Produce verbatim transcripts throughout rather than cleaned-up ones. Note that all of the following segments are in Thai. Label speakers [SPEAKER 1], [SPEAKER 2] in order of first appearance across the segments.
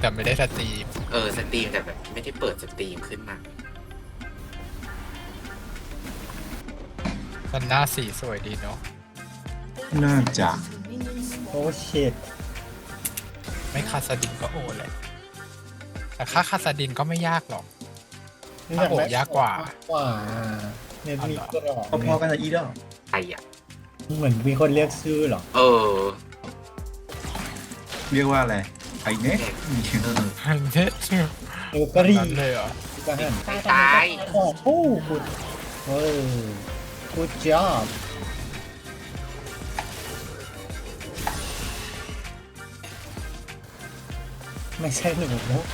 [SPEAKER 1] แต่ไม่ได้สตรีม
[SPEAKER 2] เออสตรีมแต่แบบไม่ได้เปิดสตรีมขึ้นมา
[SPEAKER 1] มันหน้าสีสวยดีเนาะ
[SPEAKER 3] น่าจะ
[SPEAKER 4] โอ้เชิด
[SPEAKER 1] ไม่คาสดินก็โอเลยแต่ค่าคาสดินก็ไม่ยากหรอกถ้าโอยากกว่าก
[SPEAKER 4] ว่าเนี่ยมีกรอบ
[SPEAKER 3] พอๆกันนะอีดอก
[SPEAKER 2] ไอ้อะ
[SPEAKER 4] เหมือนมีคนเรียกชื่อหรอ
[SPEAKER 2] เออ
[SPEAKER 3] เรียกว่าอะไรไอ้เน็ก
[SPEAKER 1] อันนี้ชื่อ
[SPEAKER 4] เออก็รี
[SPEAKER 1] เลยเหรอ
[SPEAKER 2] ไม่ตาย
[SPEAKER 4] โอ้โหคุณเออ good job ไม่ใช่หนู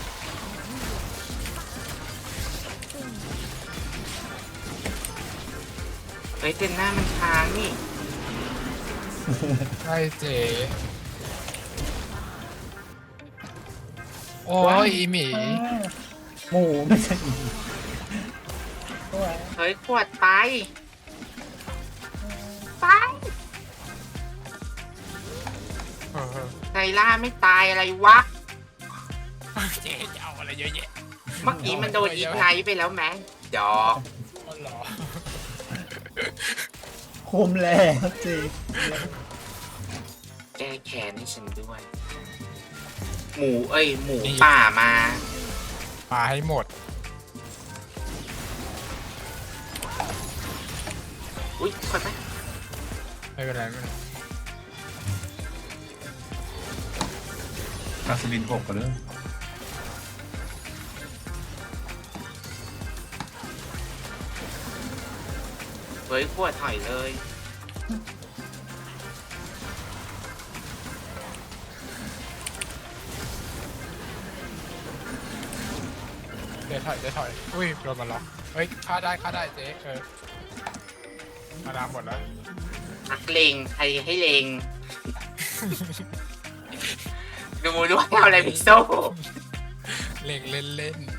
[SPEAKER 2] เฮ้ยเจนหน้ามันค้างนี่
[SPEAKER 1] ใช่เจ๊โอ้ยอีหมี
[SPEAKER 4] หมูไม่ใช่หมู
[SPEAKER 2] เฮ้ยขวดไปไปไซล่าไม่ตายอะไรวะ
[SPEAKER 1] เจ๊จะเอาอะไรเยอะแยะ
[SPEAKER 2] เมื่อกี้มันโดนอีกไนไปแล้วไหมจอ
[SPEAKER 4] คุมแล้วจริง
[SPEAKER 2] แก้แค้นให้ฉันด้วยหมูเอ้ยหมูป่ามา
[SPEAKER 1] มาให้หมด
[SPEAKER 2] อุ้ยขอดไป
[SPEAKER 1] ไม่เป็นไรไม่เป็นไร
[SPEAKER 3] อาสลินหกกันเลย
[SPEAKER 2] เฮ้ยขวดถอยเลย
[SPEAKER 1] เดี๋ยวถอยเดี๋ยวถอยอุ้ยโดนมาล็อกเฮ้ยฆ่าได้ฆ่าได้เจ๊เออมาดามหมดแล้ว
[SPEAKER 2] นักเลงใครให้เลงดูด้วยเอาอะไรพิโซ่
[SPEAKER 1] เล่นเล่นเล่น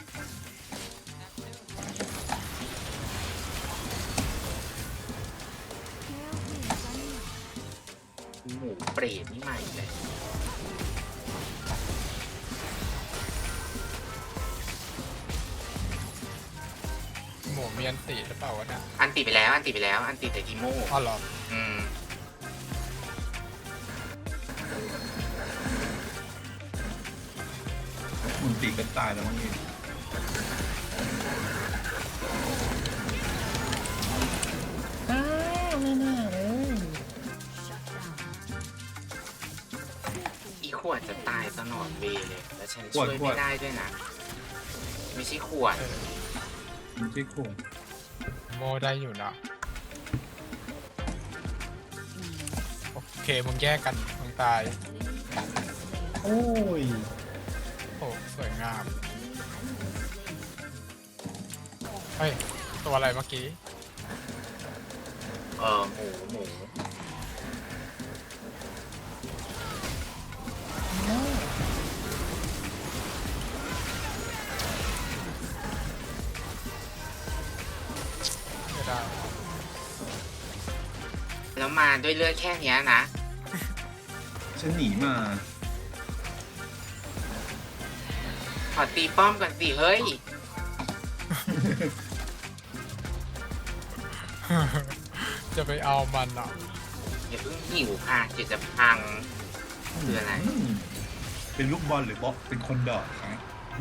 [SPEAKER 2] หมูเปรตนี่ใหม่เลย
[SPEAKER 1] หมูมีอันติหรือเปล่าวะเนี่ย
[SPEAKER 2] อันติไปแล้วอันติไปแล้วอันติแต่ทีโม่
[SPEAKER 1] อ๋อเหรอ
[SPEAKER 2] อืม
[SPEAKER 3] มันตีกันตายแล้วมั้งนี่
[SPEAKER 4] อ้าวไม่น่าเลย
[SPEAKER 2] อีขวดจะตายตลอดเวเลยแล้วฉันช่วยไม่ได้ด้วยนะไม่ใช่ขวด
[SPEAKER 3] ไม่ใช่ขวด
[SPEAKER 1] โมได้อยู่นะโอเคมึงแยกกันมึงตาย
[SPEAKER 4] โอ้ย
[SPEAKER 1] โอ้สวยงามเฮ้ยตัวอะไรเมื่อกี้
[SPEAKER 2] เออหมูหมู
[SPEAKER 1] ไม่ได้
[SPEAKER 2] แล้วมาด้วยเลือดแค่นี้นะ
[SPEAKER 3] ฉันหนีมา
[SPEAKER 2] ขอตีป้อมก่อนสิเฮ้ย
[SPEAKER 1] จะไปเอามันอ่ะ
[SPEAKER 2] อย่าเพิ่งหิวค่ะเดี๋ยวจะพังคืออะไร
[SPEAKER 3] เป็นลูกบอลหรือบ๊อบเป็นคนดอกนะ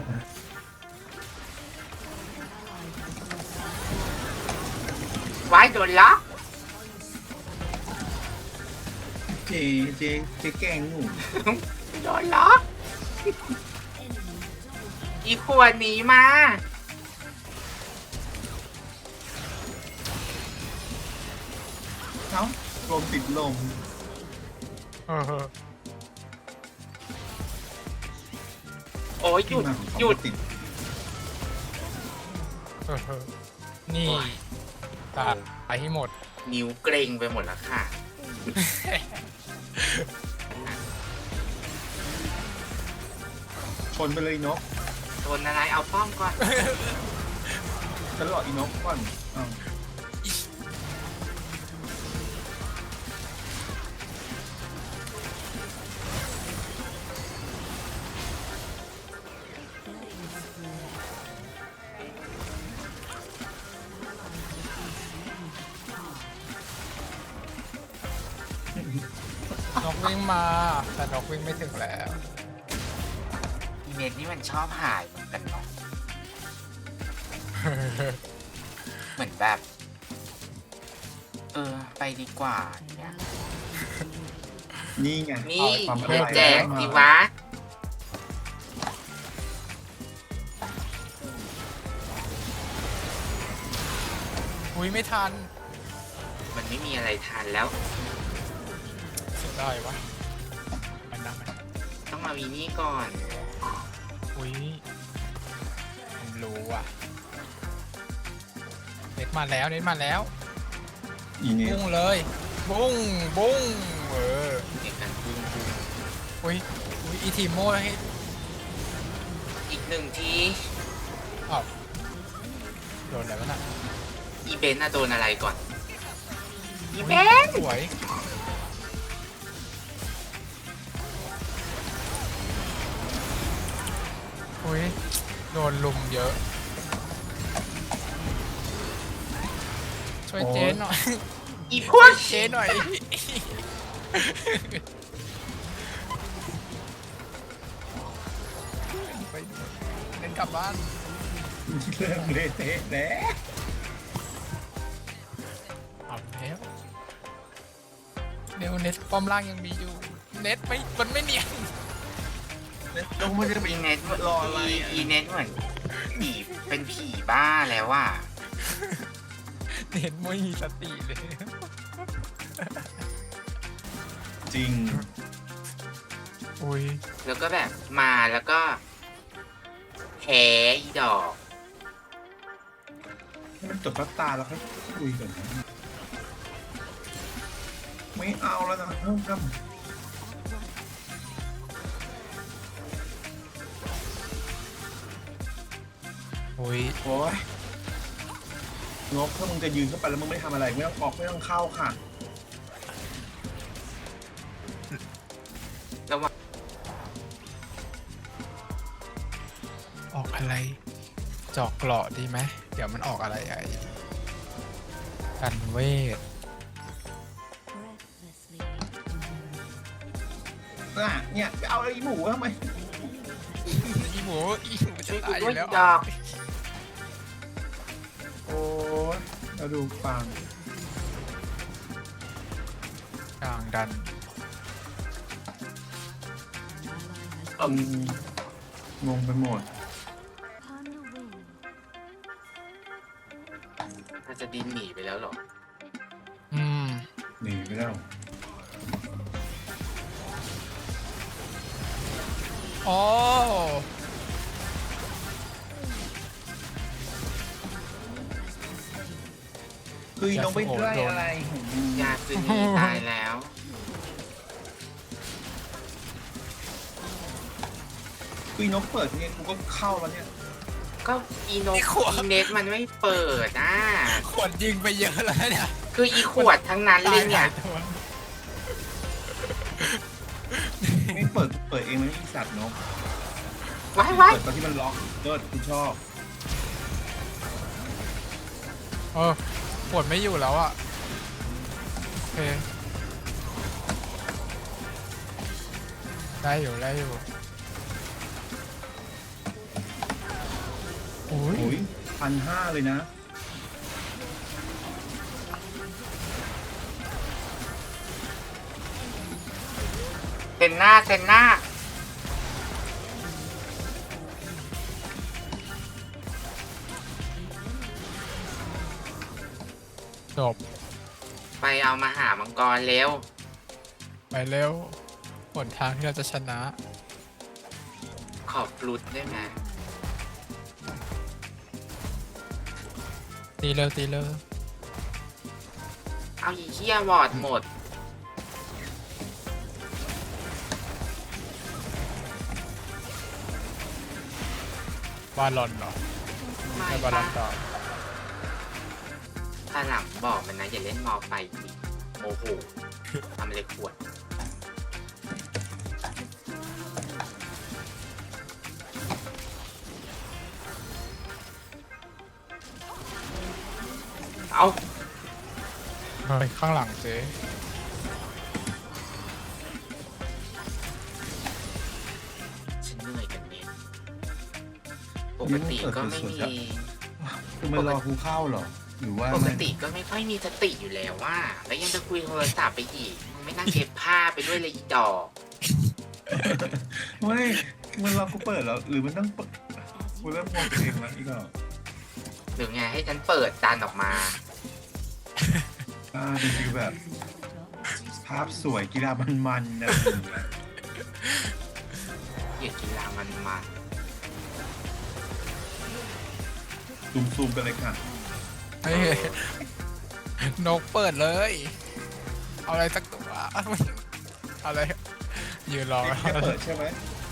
[SPEAKER 2] ไว้โดนล็อก
[SPEAKER 3] เจเจเจแกงหนู
[SPEAKER 2] โดนล็อกอีขวดหนีมา
[SPEAKER 3] เอ้าลมติดลม
[SPEAKER 2] โอ้ยหยุดหยุด
[SPEAKER 3] ติด
[SPEAKER 1] นี่ตาไปให้หมด
[SPEAKER 2] นิ้วเกร็งไปหมดแล้วค่ะ
[SPEAKER 3] ชนไปเลยนก
[SPEAKER 2] ชนอะไรเอาป้อมก่อน
[SPEAKER 3] ฉันหลอกอีนกก่อน
[SPEAKER 1] กวิ่งมา แต่นกวิ่งไม่ถึงแล้ว
[SPEAKER 2] อีเน็ตนี่มันชอบหายเหมือนกันเนาะ เหมือนแบบ เออ ไปดีกว่าเนี่ย
[SPEAKER 3] นี่ไง
[SPEAKER 2] นี่
[SPEAKER 3] ความ
[SPEAKER 2] เดี๋ยว
[SPEAKER 3] อร่อย
[SPEAKER 2] แจก
[SPEAKER 3] มา
[SPEAKER 2] ดีวะ
[SPEAKER 1] อุ้ยไม่ทัน
[SPEAKER 2] มันไม่มีอะไรทานแล้ว
[SPEAKER 1] เสียดายวะมันนะมัน
[SPEAKER 2] ต้องเอาอีนี่ก่อน
[SPEAKER 1] อุ้ยผมรู้อ่ะเน็ตมาแล้วเน็ตมาแล้ว
[SPEAKER 3] อีเนี่ย
[SPEAKER 1] บุ้งเลย บุ้งบุ้งเออ
[SPEAKER 2] ในการปุ้งปุ้ง
[SPEAKER 1] อุ้ยอุ้ยอีทีโม่ให้
[SPEAKER 2] อีกหนึ่งที
[SPEAKER 1] อ้าวโดนอะไรวะน่ะ
[SPEAKER 2] อีเบนน่ะโดนอะไรก่อน อีเบน
[SPEAKER 1] สวยอุ้ยโดนลุมเยอะ ช่วยเจ๊หน่อย
[SPEAKER 2] อีพวก
[SPEAKER 1] เจ๊หน่อย ไปเดินกลับบ้าน
[SPEAKER 3] เริ่มเละเทะแล้ว
[SPEAKER 1] เอาแล้วเดี๋ยวเน็ตป้อมล่างยังมีอยู่ เน็ตไม่ มันไม่เนียน
[SPEAKER 3] ลงมาจะไป
[SPEAKER 2] อีเน็ต
[SPEAKER 3] รออะไร
[SPEAKER 2] อี
[SPEAKER 3] อ่ะ
[SPEAKER 2] อีเน็ตเหมือนผีเป็นผีบ้าแล้วว่ะ
[SPEAKER 1] เน็ตไม่มีสติเลย
[SPEAKER 3] จริง
[SPEAKER 1] อุ้ย
[SPEAKER 2] แล้วก็แบบมาแล้วก็แพ้อีดอก
[SPEAKER 3] ให้มันจบสักตาแล้วค่อยคุยกันนะไม่เอาแล้วนะเพิ่มกัน
[SPEAKER 1] อุ้ย
[SPEAKER 3] โอ้ยงบถ้ามึงจะยืนเข้าไปแล้วมึงไม่ทำอะไรไม่ต้องออกไม่ต้องเข้าค่ะ
[SPEAKER 1] ออกอะไร จอกเกราะดีไหม เดี๋ยวมันออกอะไรไอ้กันเวท
[SPEAKER 3] อ่ะเนี่ยไปเอาไอ้หมูทำไม
[SPEAKER 1] อีหมูอีหมูจะ
[SPEAKER 2] ช่วยกู
[SPEAKER 1] ตายอ
[SPEAKER 2] ด้วย
[SPEAKER 1] ยู่แล้ว
[SPEAKER 2] ดอก
[SPEAKER 3] โอ้ยเราดูฟัง
[SPEAKER 1] กลางดัน
[SPEAKER 3] อืมงงไปหมด
[SPEAKER 2] ถ้าจะดินหนีไปแล้วเหรอ
[SPEAKER 1] อืม
[SPEAKER 3] หนีไปแล้ว
[SPEAKER 1] อ๋อ
[SPEAKER 3] คือน้องไปไล่อะไร
[SPEAKER 2] ยาซึนีตายแล้ว
[SPEAKER 3] คือน้องเปิดเนี่ยกูก็เข้าแล้วเนี่ย
[SPEAKER 2] ก็อีโนอีเน็ตมันไม่เปิดอ่ะ
[SPEAKER 1] ขวดยิงไปเยอะแล้วเนี่ย
[SPEAKER 2] คืออีขวดทั้งนั้นเลยเนี่ย
[SPEAKER 1] ตาหาตัว
[SPEAKER 3] ไม่เปิดเปิดเองมันไม่มีสัตว์เนาะ
[SPEAKER 2] ว้ายว้าย
[SPEAKER 3] เปิดตอนที่มันล็อกเลิศกูชอบ
[SPEAKER 1] เออขวดไม่อยู่แล้วอ่ะ โอเค ได้อยู่ ได้อยู่อุ้ย
[SPEAKER 3] โอ้ยพันห้าเลยนะ
[SPEAKER 2] เซนหน้าเซนหน้า
[SPEAKER 1] จบ
[SPEAKER 2] ไปเอามาหามังกรเร็ว
[SPEAKER 1] ไปเร็วหนทางที่เราจะชนะ
[SPEAKER 2] ขอบฟลุตได้ไหม
[SPEAKER 1] ตีเร็วตีเร็ว
[SPEAKER 2] เอาอีเคียวอร์ดหมด
[SPEAKER 1] บาลอนเหรอ
[SPEAKER 2] ไม่
[SPEAKER 1] ไม่บาลอ
[SPEAKER 2] ปะ
[SPEAKER 1] นต่อ
[SPEAKER 2] ถ้าหลังบอกมันนะอย่าเล่นมอไฟอีกโมโหทำอะไรขวด เอา
[SPEAKER 1] เฮ้ยข้างหลังเจ๊
[SPEAKER 2] เหนื่อยกันเน็ตปกติก็ไม่มี
[SPEAKER 3] คือมันรอกูเข้าเหรอ หรือว่า
[SPEAKER 2] ปกติก็ไม่ค่อยมีสติอยู่แล้วว่า แล้วยังจะคุยโทรศัพท์ไปอีกมึงไม่นั่งเก็บผ้าไปด้วยเลยอีดอก
[SPEAKER 3] ไม่มันรอกูเปิดแล้ว หรือมันต้องเปิดกูเริ่มงงตัวเองแล้วอีกเหรอ
[SPEAKER 2] หรือไงให้ฉันเปิดดันออกมา
[SPEAKER 3] อ่าดูคือแบบ ภาพสวยกีฬามันๆนะ
[SPEAKER 2] เหยียดกีฬามันมา
[SPEAKER 3] ซูมๆกันเลยค่ะ
[SPEAKER 1] เฮ้ยนกเปิดเลย เอาอะไรสักตัวเอาอะไรยืนรอ
[SPEAKER 3] แค่เปิดใช่ไหม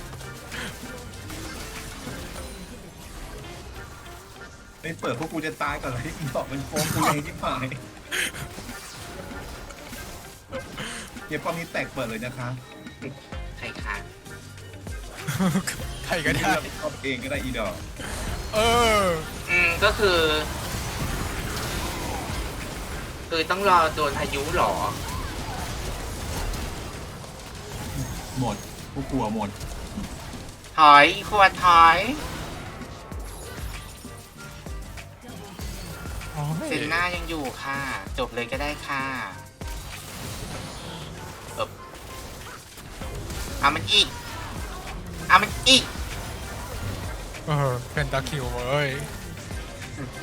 [SPEAKER 3] ไม่เปิดพวกกูจะตายก่อนเลยที่บอกมันโค้งกูเลยที่ผายเดี๋ยวป้อมนี้แตกเปิดเลยนะคะ
[SPEAKER 2] ใครคะ
[SPEAKER 1] ใครก็ได้
[SPEAKER 3] เราไปชอบเองก็ได้อีดอก
[SPEAKER 1] เออ
[SPEAKER 2] อืมก็คือ คือต้องรอโดนพายุเหรอ
[SPEAKER 3] หมดพวกกลัวหมด
[SPEAKER 2] ถอยขวดถอย เซนหน้ายังอยู่ค่ะ จบเลยก็ได้ค่ะเอบเอามันอีก เอามันอีก
[SPEAKER 1] เออเป็นตะคริวเว้ย เย้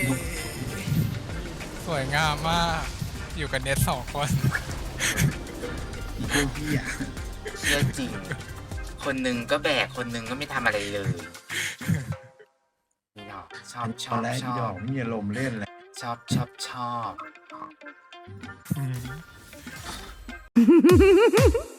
[SPEAKER 1] สวยงามมาก อยู่กันเน็ตสองคน
[SPEAKER 3] อีพวกพี่อ่ะ
[SPEAKER 2] เชื่อจริง คนหนึ่งก็แบก คนหนึ่งก็ไม่ทำอะไรเลยนี่หรอกชอบช
[SPEAKER 3] ต
[SPEAKER 2] อ
[SPEAKER 3] อน
[SPEAKER 2] บ
[SPEAKER 3] แรก
[SPEAKER 2] ช
[SPEAKER 3] อีด
[SPEAKER 2] อ
[SPEAKER 3] อบ กไม่มีอารมณ์เล่นเลย
[SPEAKER 2] ชอบชอบชอบ
[SPEAKER 1] อืม